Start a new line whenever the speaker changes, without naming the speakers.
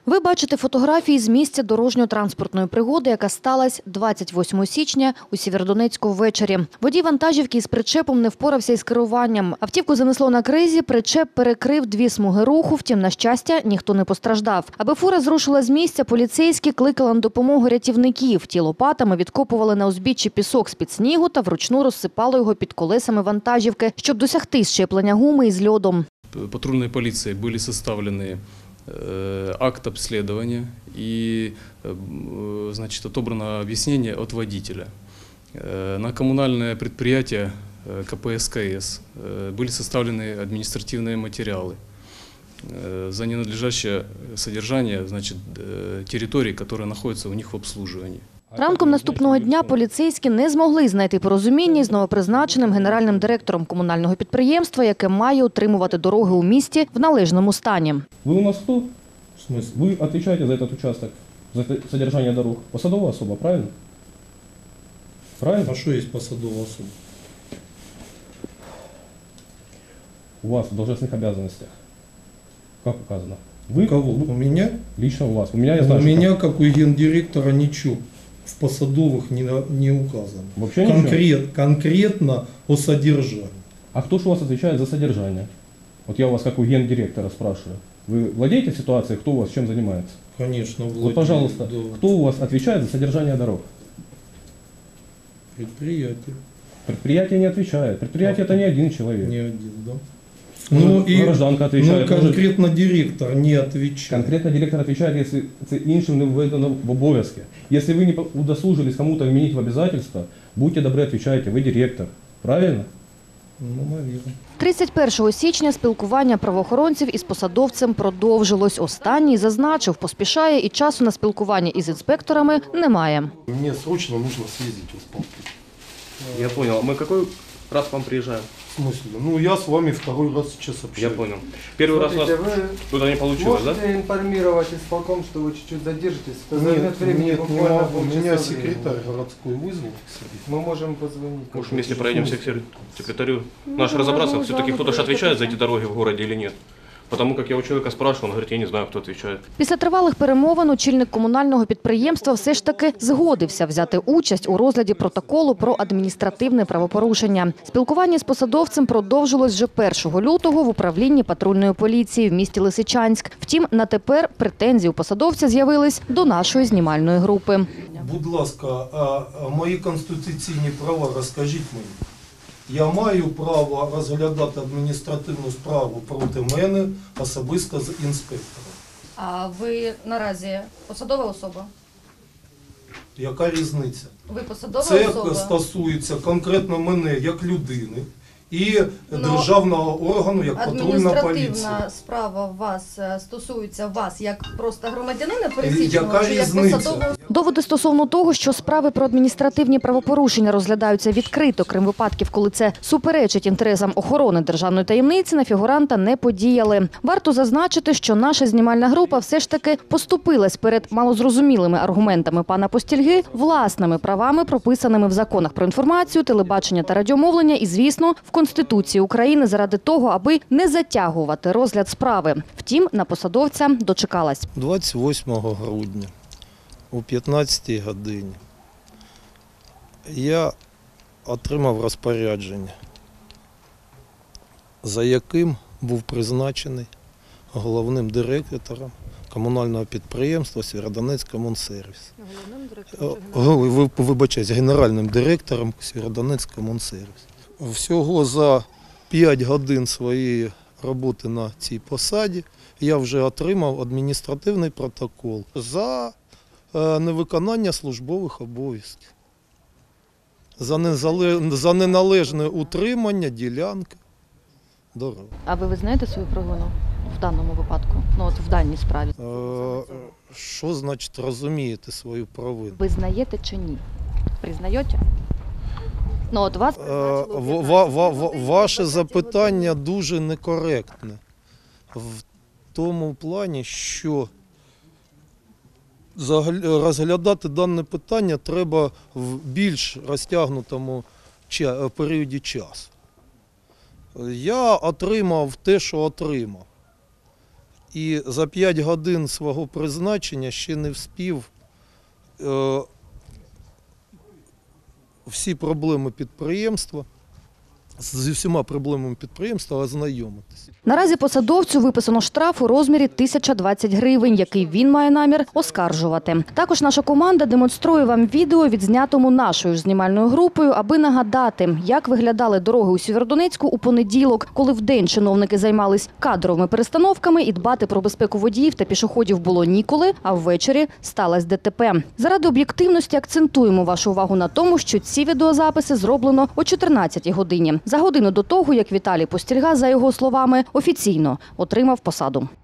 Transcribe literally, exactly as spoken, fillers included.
Ви бачите фотографії з місця дорожньо-транспортної пригоди, яка сталася двадцять восьмого січня у Сєвєродонецьку ввечері. Водій вантажівки із причепом не впорався із керуванням. Автівку занесло на кризі, причеп перекрив дві смуги руху, втім, на щастя, ніхто не постраждав. Аби фура зрушила з місця, поліцейські кликали на допомогу рятівників. Ті лопатами відкопували на узбіччі пісок з-під снігу та вручну розсипали його під колесами вантажівки, щоб досягти щеплення гуми із льодом.
Патрульной полицией были составлены акт обследования и, значит, отобрано объяснение от водителя. На коммунальное предприятие ка пэ эс ка эс были составлены административные материалы за ненадлежащее содержание, значит, территорий, которые находятся у них в обслуживании.
Ранком наступного дня поліцейські не змогли знайти порозуміння з новопризначеним генеральним директором комунального підприємства, яке має утримувати дороги у місті в належному стані.
Ви у нас хто? В смысле? Ви відповідаєте за цей участок, за содержание дорог? Посадова особа, правильно? Правильно?
А что есть посадовая особа?
У вас в должностных обязанностях, как указано? Вы,
У кого? У меня?
Лично у вас. У меня, я знаю,
У
что
меня,
там.
как у гендиректора, ничего в посадовых не, не указано.
Вообще
Конкрет, конкретно о содержании.
А кто же у вас отвечает за содержание? Вот я у вас как у гендиректора спрашиваю. Вы владеете ситуацией, кто у вас чем занимается?
Конечно, владею.
Вот, пожалуйста,
Да.
кто у вас отвечает за содержание дорог?
Предприятие.
Предприятие не отвечает. Предприятие это не один человек.
Не один, да.
Может,
Ну и
гражданка
ну,
отвечает. может,
конкретно директор не отвечает.
Конкретно директор отвечает, если це іншим не введено в обов'язки. Если вы не удосужились кому-то вменить в обязательства, будьте добры, отвечайте, вы директор. Правильно?
Ну, наверное.
тридцять першого січня спілкування правоохоронців із посадовцем продовжилось. Останній зазначив, поспішає і часу на спілкування із інспекторами немає.
Мне срочно нужно съездить в исполком.
Я понял. Мы какой раз к вам приезжаем?
В смысле? Ну, я с вами второй раз сейчас
Я
общаюсь.
понял. Первый раз у нас
Смотрите, вы
туда не получилось, да?
можете информировать исполком, что вы чуть-чуть задержитесь? Это
Нет,
займет времени
нет, не
буквально
могу.
полчаса
Меня
времени.
секретарь городской вызвал к себе.
Мы можем позвонить.
Может, вместе проедемся к сер- секретарю. Наш разобраться, все-таки кто-то же отвечает за эти дороги в городе или нет. Потому как я у человека спрашивал, он говорит, я не знаю, кто отвечает.
Після тривалих перемовин очільник комунального підприємства все ж таки згодився взяти участь у розгляді протоколу про адміністративне правопорушення. Спілкування з посадовцем продовжилось вже першого лютого в управлінні патрульної поліції в місті Лисичанськ. Втім, на тепер претензії у посадовця з'явились до нашої знімальної групи.
Будь ласка, а, а мої конституційні права розкажіть мені. Я маю право розглядати адміністративну справу проти мене особисто з інспектором.
А ви наразі посадова особа?
Яка різниця?
Ви посадова
Це
особа?
стосується конкретно мене як людини і
Ну,
державного органу як патрульна поліція.
Адміністративна справа вас е, стосується вас як просто громадянина пересічного
Яка
чи як
різниця?
посадового?
Доводи стосовно того, що справи про адміністративні правопорушення розглядаються відкрито, крім випадків, коли це суперечить інтересам охорони державної таємниці, на фігуранта не подіяли. Варто зазначити, що наша знімальна група все ж таки поступилась перед малозрозумілими аргументами пана Постільги власними правами, прописаними в законах про інформацію, телебачення та радіомовлення і, звісно, в Конституції України заради того, аби не затягувати розгляд справи. Втім, на посадовця дочекалась.
двадцять восьмого грудня о п'ятнадцятій годині я отримав розпорядження, за яким був призначений головним директором комунального підприємства «Сєвєродонецькомунсервіс». Головним Вибачаюсь, генеральним директором «Сєвєродонецькомунсервіс». Всього за п'ять годин своєї роботи на цій посаді я вже отримав адміністративний протокол за невиконання службових обов'язків, за, незале... за неналежне утримання ділянки дороги.
А ви визнаєте свою провину в даному випадку? Ну от в даній справі.
Е, Що значить розумієте свою провину?
Визнаєте чи ні? Признаєте? Ну от вас
Е, ва- ва- ва- Ваше запитання дуже некоректне в тому плані, що загля- розглядати дане питання треба в більш розтягнутому ча- періоді часу. Я отримав те, що отримав. і за п'ять годин свого призначення ще не вспів е, всі проблеми підприємства, зі всіма проблемами підприємства ознайомитися.
Наразі посадовцю виписано штраф у розмірі тисяча двадцять гривень, який він має намір оскаржувати. Також наша команда демонструє вам відео, відзнятому нашою ж знімальною групою, аби нагадати, як виглядали дороги у Сєвєродонецьку у понеділок, коли вдень чиновники займались кадровими перестановками і дбати про безпеку водіїв та пішоходів було ніколи, а ввечері сталося ДТП. Заради об'єктивності акцентуємо вашу увагу на тому, що ці відеозаписи зроблено о чотирнадцятій годині. За годину до того, як Віталій Постільга, за його словами, офіційно отримав посаду.